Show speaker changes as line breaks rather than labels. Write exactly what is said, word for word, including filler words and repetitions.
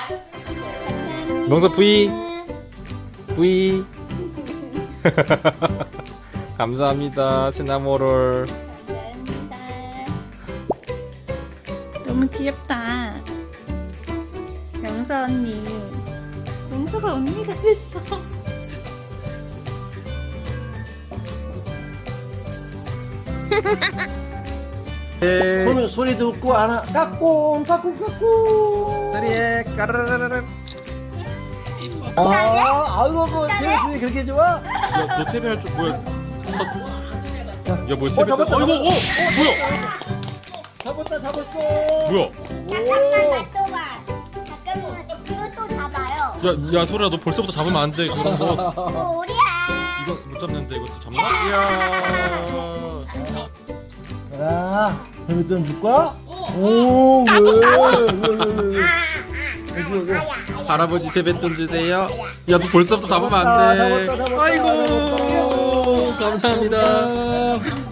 명서 V V 감사합니다. 시나모롤.
너무 귀엽다. 명서 언니. 명서가 언니가 됐어.
네.
손, 소리도 없고 하나 까꿍 까꿍 까꿍.
소리에 까르르르르.
아, 아이고 뭐 재밌으니 그렇게 좋아?
야, 너 세배할 줄 뭐야? 첫... 야, 뭐야?
어,
세배?
잡았다,
어이구, 어, 뭐야?
잡았다 잡았어.
뭐야?
잠깐만 또 봐. 잠깐만 이거 또 잡아요.
야, 야, 소리야, 너 벌써부터 잡으면 안 돼. 그런 거.
오리야.
이거 못 잡는데 이것도 잡나? 이야.
자, 재밌던 줄까? 오, 왜? 왜, 왜, 왜, 왜? 여기, 여기.
할아버지 세뱃돈 주세요. 야, 너 벌써부터 잡으면 안 돼.
잡았다, 잡았다,
아이고,
잡았다.
감사합니다.